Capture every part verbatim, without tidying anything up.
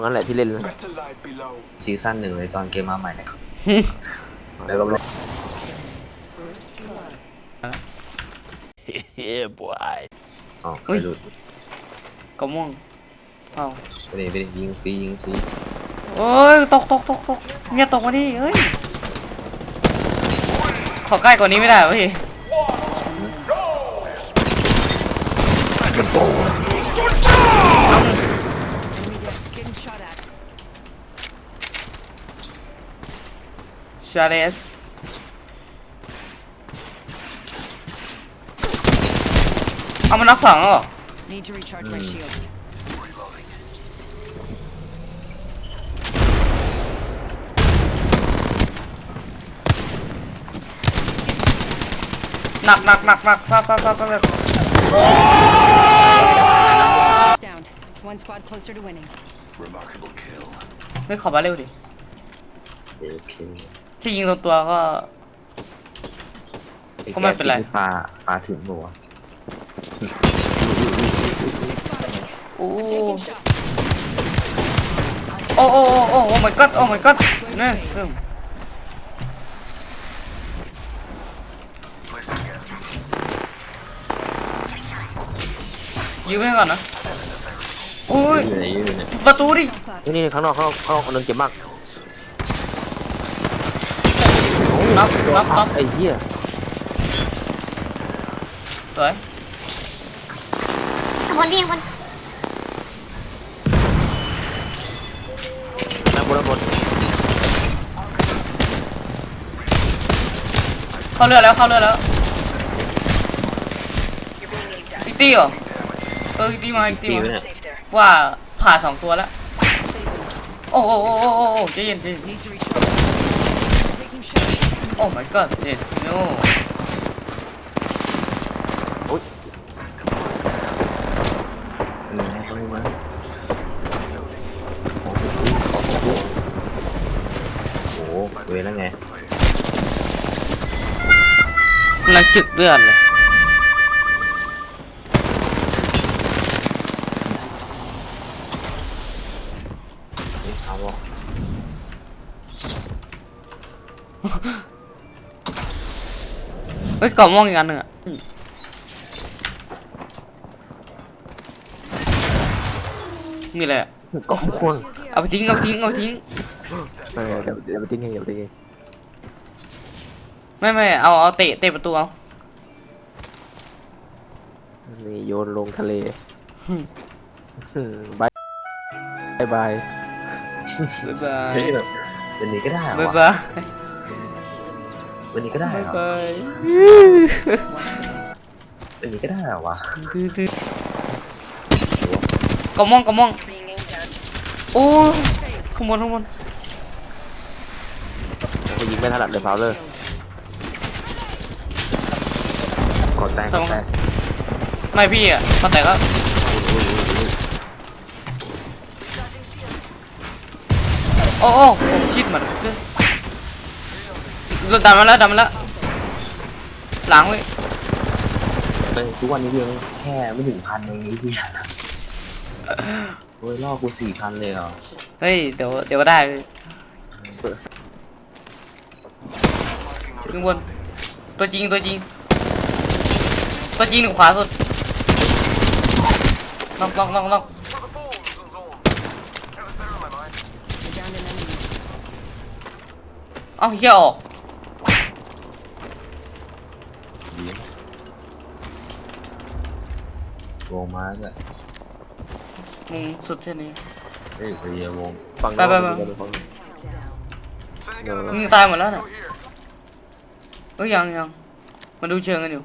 นั่นแหละที่เล่นซีซั่นหนึ่งเลยตอนเกมมาใหม่แล้วก็เฮ้ยบอยอ๋อไปหลุดกระม่วงเอ้าไปดิไปดิยิงซียิงซีเอ้ยตกตกตกตกเนี่ยตกมาดิเฮ้ยขอใกล้กว่านี้ไม่ได้เหรอพี่ชาเลสเอามันนักสองเหรอ Need to recharge my shields. หนักหนักหนักหนักฟาดฟาดฟาดฟาด Down. One squad closer to winning. เฮ้ยขอมาเร็วดิโอเคที่ยิงตัวตัวก็ ก็ไม่เป็นไรปลาปลาถึงหัวโอ้โอ้โอ้โอ้โอ้ my god โอ้ my god เนี่ยยืมไปก่อนนะโอ้ยอยู่ไหนอยู่ไหนประตูดินี่นี่ข้างนอกข้างนอกข้างนอกคนนึงเจ็บมากน็อกน็อกน็อกไอ้เหี้ยสวยข้างบนพี่ข้างบนน้ำบนน้ำบนเข้าเรือแล้วเข้าเรือแล้วอีกตีเหรอเอออีกตีมาอีกตีปีมาเนี่ย Safe there. ว่าผ่าสองตัวแล้วโอ้โอ้โอ้โอ้โอ้โอ้ใจเย็นใจเย็น Need to recharge. Taking shots. โอ้ my god yes no หนึ่งให้เขาให้มาโอ้โหเวรแล้วไงมันจึกเลือดเลยนี่เอาวะเฮ้ยกล่องม่วงอีกอันหนึ่งอ่ะมีอะไรอ่ะก็ควงเอาไปทิ้งเอาไปทิ้งเอาไปทิ้งเออเดี๋ยวเดี๋ยวไปทิ้งเองเดี๋ยวไปทิ้งเองไม่ไม่เอาเอาเตะเตะประตูเอานี่โยนลงทะเลอืมอืมบายบายบายบ๊ายบายเฮ้ยแบบวันนี้ก็ได้เหรอบ๊ายวะบายวันนี้ก็ได้บ๊ายเหรอบายวันนี้ก็ได้เหรอวะกล่องม่วงกล่องม่วง Being aimed down. โอ้ข้างบนข้างบนเขายิงไม่ถนัดเลยฟาวเลอร์กดแตงกดแตงไม่พี่อ่ะพอแต่ก็โอ้โอ้โอ้ชิดเหมือนเราดันมาแล้วดันมาแล้วหลังเว้ยเฮ้ยทุกวันนี้ยังแค่ไม่ถึงพันเองไอ้เหี้ยโอ้ยล่อกูสี่พันเลยเหรอเฮ้ยเดี๋ยวเดี๋ยวก็ได้เว้ยข้างบนตัวจริงตัวจริงตัวจริงหนึ่งขวาสุดล็อกล็อกล็อกล็อก I downed an enemy. เอ้าเฮียออกดีวงมาด้วยมึงสุดแค่นี้เฮ้ยไปเยียวงฟังไปไปไปฟังเออมึงตายหมดแล้วน่ะเอ้ยยังยังมาดูเชิงกันอยู่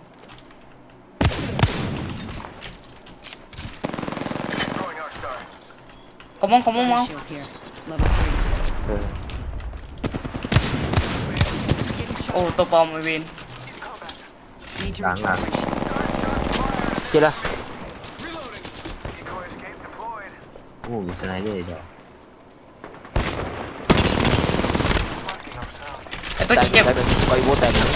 ขมองขมองมา Shield here. Level three. เออโอ้ตัวปลอมไอเวน Need to Lang recharge my shield. เจ๊ละโอ้มีสไนเดอร์เดียวไอตัวแตจีกเจ็บแตกไปโว้แตกนะ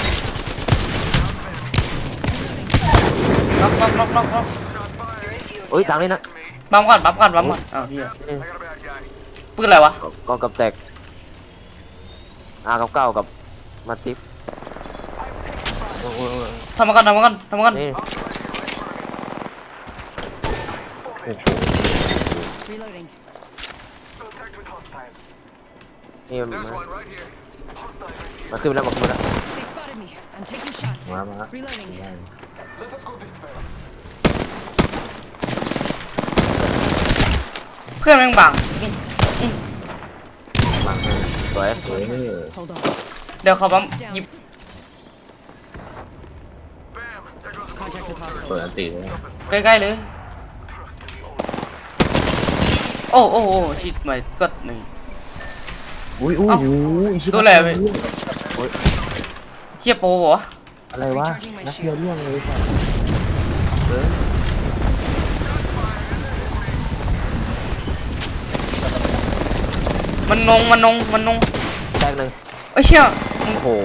ล็อกล็อกล็อกล็อกล็อกเอ้ยตังนี่นะบัมก่อนบัมก่อนบัมก่อนอ้าวเฮียอืมปืนอะไรวะกองกับแตกอากับเก้ากับมาติฟโอ้โหทำมากันทำมากันทำมากันนี่ Reloading. นี่มามาขึ้นแล้วมาขึ้นแล้ว They spotted me. I'm taking shots. มามา Reloading. ได้เพื่อนแม่งบังมาให้สวยสวยเออ Hold on. เดี๋ยวเขาบัมหยิบ Contact with hostile. เปิดอันตีเลยใกล้ๆเลย โอ้โอ้โอ้ชิดไม่กดหนึ่งอุ้ยอุ้ยเอ้าอุ้ยโดนอะไรไป เฮียโปรวะอะไรวะนักเรียนเรื่องเลยสัสเออมันนงมันนงมันนงแตกหนึ่งเอ้ยเชี่ยโอ้โห